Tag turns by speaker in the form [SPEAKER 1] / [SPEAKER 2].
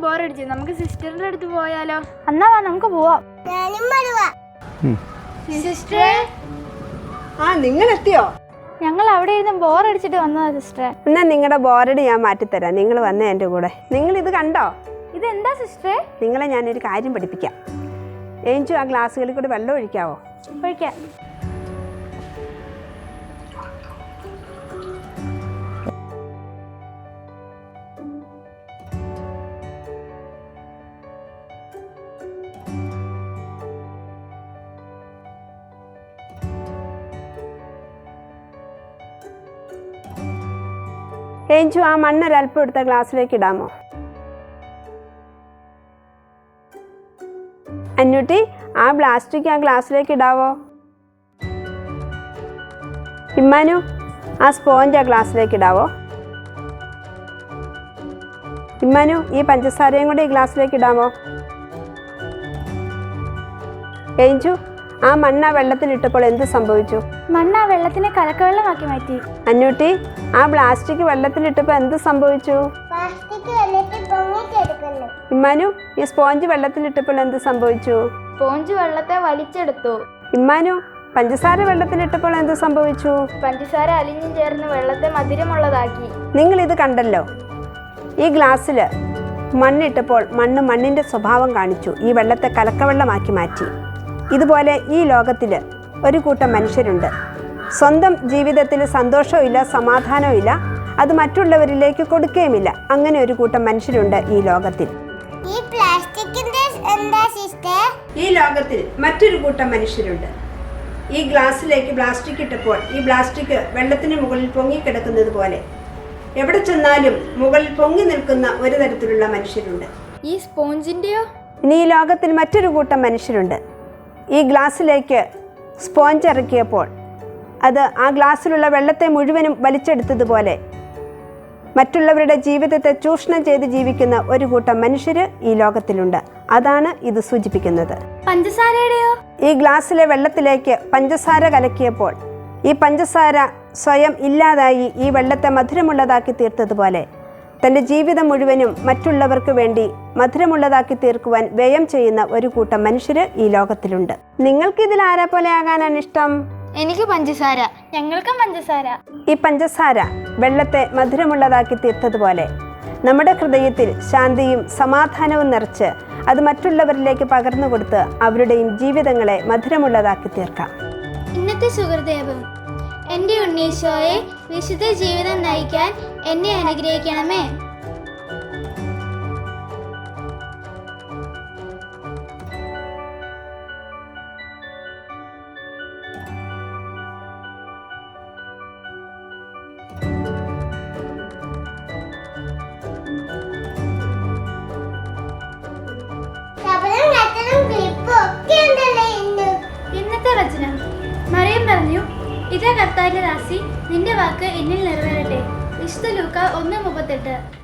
[SPEAKER 1] ബോറടിച്ചു. നമുക്ക് സിസ്റ്ററിന്റെ അടുത്ത് പോയാലോ?
[SPEAKER 2] എന്നാ വാ നമുക്ക് പോവാം.
[SPEAKER 1] സിസ്റ്ററെ,
[SPEAKER 3] നിങ്ങൾ എത്തിയോ?
[SPEAKER 2] ഞങ്ങൾ അവിടെ ഇരുന്ന് ബോറടിച്ചിട്ട് വന്നതാ സിസ്റ്ററെ.
[SPEAKER 3] എന്നാ നിങ്ങളുടെ ബോറടി ഞാൻ മാറ്റിത്തരാം. നിങ്ങൾ വന്നേ എൻ്റെ കൂടെ. നിങ്ങൾ ഇത് കണ്ടോ?
[SPEAKER 2] ഇതെന്താ സിസ്റ്ററെ?
[SPEAKER 3] നിങ്ങളെ ഞാനൊരു കാര്യം പഠിപ്പിക്കാം. ഏഞ്ചു ആ ഗ്ലാസ്സുകളിൽ കൂടി വെള്ളം ഒഴിക്കാവോ?
[SPEAKER 2] ഒഴിക്കാം.
[SPEAKER 3] ഏഞ്ചു ആ മണ്ണൊരൽപ്പം എടുത്ത ഗ്ലാസ്സിലേക്ക് ഇടാമോ? അന്നൂട്ടി ആ പ്ലാസ്റ്റിക് ആ ഗ്ലാസ്സിലേക്ക് ഇടാവോ? ഇമ്മാനു ആ സ്പോഞ്ച് ആ ഗ്ലാസ്സിലേക്ക് ഇടാവോ? ഇമ്മാനു ഈ പഞ്ചസാരയും കൂടി ഈ ഗ്ലാസ്സിലേക്ക് ഇടാമോ? ഏഞ്ചു ആ മണ്ണ വെള്ളത്തിലിട്ടപ്പോൾ എന്ത് സംഭവിച്ചു?
[SPEAKER 2] മണ്ണ് ആ വെള്ളത്തിനെ കലക്കവെള്ളമാക്കി മാറ്റി.
[SPEAKER 3] അന്നൂട്ടി ആ പ്ലാസ്റ്റിക് വെള്ളത്തിലിട്ടപ്പോൾ എന്ത് സംഭവിച്ചു? ഇമ്മാനു ഈ സ്പോഞ്ച് വെള്ളത്തിലിട്ടപ്പോൾ എന്ത് സംഭവിച്ചു?
[SPEAKER 1] സ്പോഞ്ച് വെള്ളത്തെ വലിച്ചെടുത്തു.
[SPEAKER 3] ഇമ്മാനു പഞ്ചസാര വെള്ളത്തിലിട്ടപ്പോൾ എന്ത് സംഭവിച്ചു?
[SPEAKER 1] പഞ്ചസാര അലിഞ്ഞു ചേർന്ന് വെള്ളത്തെ മധുരമുള്ളതാക്കി.
[SPEAKER 3] നിങ്ങൾ ഇത് കണ്ടല്ലോ. ഈ ഗ്ലാസ്സിൽ മണ്ണിട്ടപ്പോൾ മണ്ണിൻ്റെ സ്വഭാവം കാണിച്ചു. ഈ വെള്ളത്തെ കലക്കവെള്ളമാക്കി മാറ്റി. ഇതുപോലെ ഈ ലോകത്തിൽ ഒരു കൂട്ടം മനുഷ്യരുണ്ട്. സ്വന്തം ജീവിതത്തിൽ സന്തോഷവും ഇല്ല, സമാധാനവും ഇല്ല, അത് മറ്റുള്ളവരിലേക്ക് കൊടുക്കുകയുമില്ല. അങ്ങനെ ഒരു കൂട്ടം മനുഷ്യരുണ്ട് ഈ ലോകത്തിൽ. ഈ ലോകത്തിൽ മറ്റൊരു കൂട്ടം മനുഷ്യരുണ്ട്. ഈ ഗ്ലാസ്സിലേക്ക് പ്ലാസ്റ്റിക് ഇട്ടപ്പോൾ ഈ പ്ലാസ്റ്റിക് വെള്ളത്തിന് മുകളിൽ പൊങ്ങിക്കിടക്കുന്നത് പോലെ എവിടെ ചെന്നാലും മുകളിൽ പൊങ്ങി നിൽക്കുന്ന ഒരു തരത്തിലുള്ള മനുഷ്യരുണ്ട്.
[SPEAKER 1] ഈ സ്പോഞ്ചിന്റെയോ?
[SPEAKER 3] ഇനി ഈ ലോകത്തിൽ മറ്റൊരു കൂട്ടം മനുഷ്യരുണ്ട്. ഈ ഗ്ലാസ്സിലേക്ക് സ്പോഞ്ച് ഇറക്കിയപ്പോൾ അത് ആ ഗ്ലാസ്സിലുള്ള വെള്ളത്തെ മുഴുവനും വലിച്ചെടുത്തതുപോലെ മറ്റുള്ളവരുടെ ജീവിതത്തെ ചൂഷണം ചെയ്ത് ജീവിക്കുന്ന ഒരു കൂട്ടം മനുഷ്യർ ഈ ലോകത്തിലുണ്ട്. അതാണ് ഇത് സൂചിപ്പിക്കുന്നത്.
[SPEAKER 2] പഞ്ചസാരയുടെയോ?
[SPEAKER 3] ഈ ഗ്ലാസ്സിലെ വെള്ളത്തിലേക്ക് പഞ്ചസാര കലക്കിയപ്പോൾ ഈ പഞ്ചസാര സ്വയം ഇല്ലാതായി ഈ വെള്ളത്തെ മധുരമുള്ളതാക്കി തീർത്തതുപോലെ തൻ്റെ ജീവിതം മുഴുവനും മറ്റുള്ളവർക്ക് വേണ്ടി മധുരമുള്ളതാക്കി തീർക്കുവാൻ വ്യയം ചെയ്യുന്ന ഒരു കൂട്ടം മനുഷ്യർ ഈ ലോകത്തിലുണ്ട്. നിങ്ങൾക്കിതിൽ ആരെ പോലെ ആകാനാണ് ഇഷ്ടം?
[SPEAKER 1] എനിക്ക് പഞ്ചസാര.
[SPEAKER 2] ഞങ്ങൾക്കും പഞ്ചസാര.
[SPEAKER 3] ഈ പഞ്ചസാര വെള്ളത്തെ മധുരമുള്ളതാക്കി തീർത്തതുപോലെ നമ്മുടെ ഹൃദയത്തിൽ ശാന്തിയും സമാധാനവും നിറച്ച് അത് മറ്റുള്ളവരിലേക്ക് പകർന്നു കൊടുത്ത് അവരുടെയും ജീവിതങ്ങളെ മധുരമുള്ളതാക്കി തീർക്കാം.
[SPEAKER 4] ഇന്നത്തെ സുഹൃദേവം, എൻ്റെ ഉണ്ണീശോയെ വിശുദ്ധ ജീവിതം നയിക്കാൻ എന്നെ അനുഗ്രഹിക്കണമേ. ഇന്നത്തെ വചനം മറിയം പറഞ്ഞു, ഇതാ കർത്താവിന്റെ ദാസി, നിന്റെ വാക്ക് എന്നിൽ നിറവേറട്ടെ. വിശുദ്ധ ലൂക്ക 1:38.